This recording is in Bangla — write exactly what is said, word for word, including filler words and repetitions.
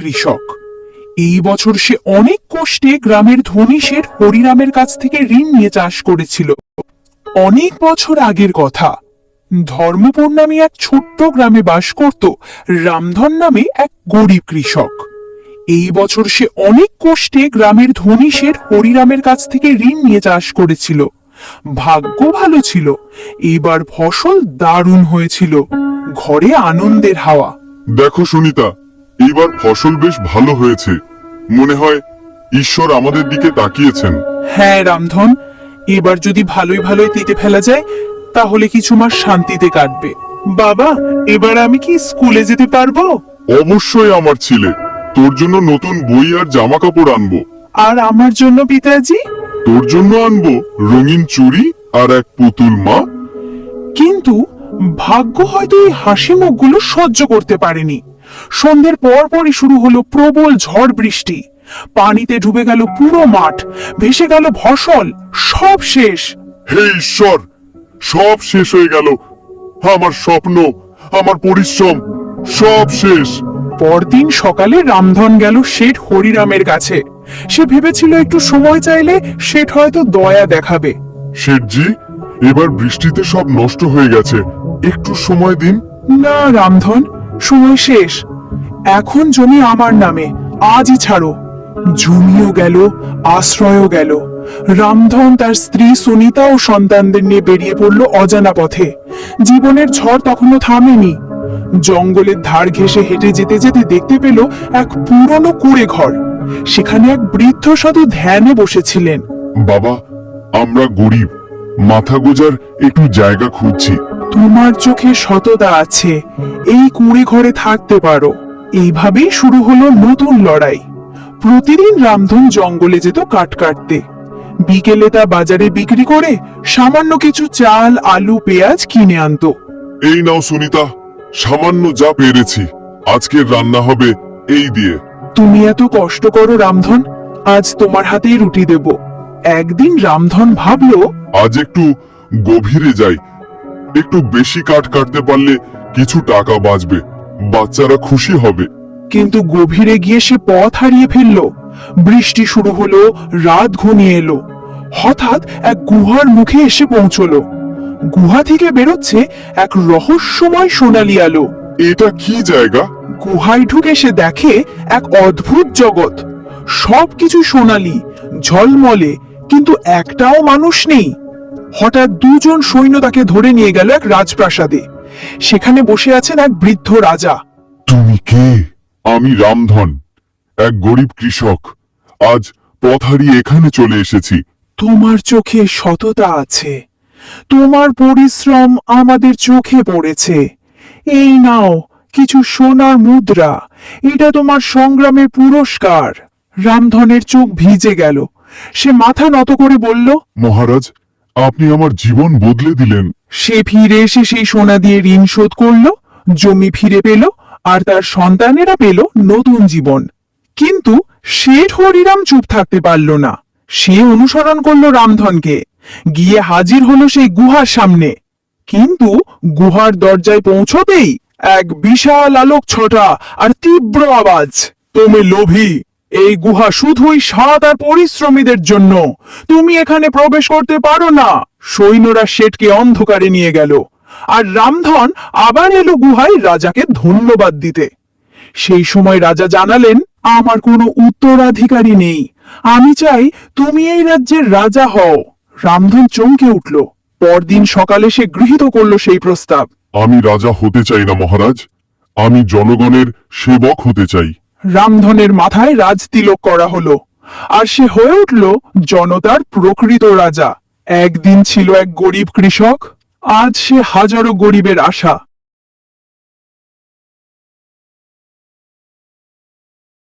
কৃষক। এই বছর সে অনেক কষ্টে গ্রামের ধনী শেঠ হরিরামের কাছ থেকে ঋণ নিয়ে চাষ করেছিল। অনেক বছর আগের কথা। ধর্মপুর নামে এক ছোট্ট গ্রামে বাস করত রামধন নামে এক গরিব কৃষক। এই বছর সে অনেক কষ্টে গ্রামের ধনী শেঠ হরিরামের কাছ থেকে ঋণ নিয়ে চাষ করেছিল। ভাগ্য ভালো ছিল, এবার ফসল দারুণ হয়েছিল। ঘরে আনন্দের হাওয়া। দেখো সুনিতা, এইবার ফসল বেশ ভালো হয়েছে। মনে হয় ঈশ্বর আমাদের দিকে তাকিয়েছেন। হ্যাঁ রামধন, এবার যদি ভালোই ভালোই তেতে ফেলা যায় তাহলে কিছু মাস শান্তিতে কাটবে। বাবা, এবার আমি কি স্কুলে যেতে পারবো? অবশ্যই আমার ছেলে, তোর জন্য নতুন বই আর জামা কাপড় আনবো। আর আমার জন্য পিতাজি? তোর জন্য আনবো রঙিন চুড়ি আর এক পুতুল মা। কিন্তু ভাগ্য হয়তো এই হাসি মুখগুলো সহ্য করতে পারেনি। সন্ধ্যের পর পরই শুরু হলো প্রবল ঝড় বৃষ্টি। পানিতে ডুবে গেল পুরো মাঠ, ভেসে গেল ফসল, সব শেষ। হে ঈশ্বর, সব শেষ হয়ে গেল। আমার স্বপ্ন, আমার পরিশ্রম সব শেষ। পরদিন সকালে রামধন গেল শেঠ হরিরামের কাছে। সে ভেবেছিল একটু সময় চাইলে শেঠ হয়তো দয়া দেখাবে। শেঠজি, এবার বৃষ্টিতে সব নষ্ট হয়ে গেছে, একটু সময় দিন। না রামধন, সময় শেষ। এখন জমি আমার নামে, আজই ছাড়ো। জমিও গেল, আশ্রয়ও গেল। রামধন তার স্ত্রী সুনিতা ও সন্তানদের নিয়ে বেরিয়ে পড়ল অজানা পথে। জীবনের ঝড় তখনও থামেনি। জঙ্গলের ধার ঘেঁষে হেঁটে যেতে যেতে দেখতে পেল এক পুরনো কুঁড়ে ঘর। সেখানে এক বৃদ্ধ সাধু ধ্যানে বসেছিলেন। বাবা, আমরা গরিব, মাথা গোজার একটু জায়গা খুঁজছি। তোমার চোখে সততা আছে, এই কুঁড়ে ঘরে থাকতে পারো। এইভাবেই শুরু হলো নতুন লড়াই। প্রতিদিন রামধন জঙ্গলে যেত কাঠ কাটতে। বিকেলে তা বাজারে বিক্রি করে সামান্য কিছু চাল, আলু, পেঁয়াজ কিনে আনতো। এই নাও সুনিতা, সামান্য যা পেরেছি, আজকের রান্না হবে এই দিয়ে। তুমি এত কষ্ট করো রামধন, আজ তোমার হাতেই রুটি দেব। একদিন রামধন ভাবলো, আজ একটু গভীরে যাই, একটু বেশি কাঠ কাটতে পারলে কিছু টাকা বাঁচবে, বাচ্চারা খুশি হবে। কিন্তু গভীরে গিয়ে সে পথ হারিয়ে ফেলল। বৃষ্টি শুরু হলো, রাত ঘনিয়ে এলো। হঠাৎ এক গুহার মুখে এসে পৌঁছলো। গুহা থেকে বেরোচ্ছে এক রহস্যময় সোনালী আলো। এটা কি জায়গা? গুহায় ঢুকে সে দেখে এক অদ্ভুত জগৎ। সবকিছু সোনালী, ঝলমলে, কিন্তু একটাও মানুষ নেই। হঠাৎ দুজন সৈন্য তাকে ধরে নিয়ে গেল এক রাজপ্রাসাদে। সেখানে বসে আছেন এক বৃদ্ধ রাজা। তুমি কে? আমি রামধন, এক গরিব কৃষক। আজ পথ হারিয়ে এখানে চলে এসেছি। তোমার চোখে সততা আছে, তোমার পরিশ্রম আমাদের চোখে পড়েছে। এই নাও কিছু সোনার মুদ্রা, এটা তোমার সংগ্রামের পুরস্কার। রামধনের চোখ ভিজে গেল। সে মাথা নত করে বলল, মহারাজ, আপনি আমার জীবন বদলে দিলেন। সে ফিরে এসে সেই সোনা দিয়ে ঋণ শোধ করল, জমি ফিরে পেল, আর তার সন্তানেরা পেল নতুন জীবন। কিন্তু শেঠ হরিরাম চুপ থাকতে পারল না। সে অনুসরণ করলো রামধনকে, গিয়ে হাজির হলো সেই গুহার সামনে। কিন্তু গুহার দরজায় পৌঁছতেই এক বিশাল আলোক ছটা আর তীব্র আওয়াজ, তুমি লোভী, এই গুহা শুধুই সাত আর পরিশ্রমীদের জন্য, তুমি এখানে প্রবেশ করতে পারো না। সৈন্যরা শেঠকে অন্ধকারে নিয়ে গেল, আর রামধন আবার এলো গুহায় রাজাকে ধন্যবাদ দিতে। সেই সময় রাজা জানালেন, আমার কোনো উত্তরাধিকারী নেই, আমি চাই তুমি এই রাজ্যের রাজা হও। রামধন চমকে উঠল। পরদিন সকালে সে গৃহীত করল সেই প্রস্তাব। আমি রাজা হতে চাই না মহারাজ, আমি জনগণের সেবক হতে চাই। রামধনের মাথায় রাজতিলক করা হলো, আর সে হয়ে উঠল জনতার প্রকৃত রাজা। একদিন ছিল এক গরিব কৃষক, আজ সে হাজারো গরিবের আশা।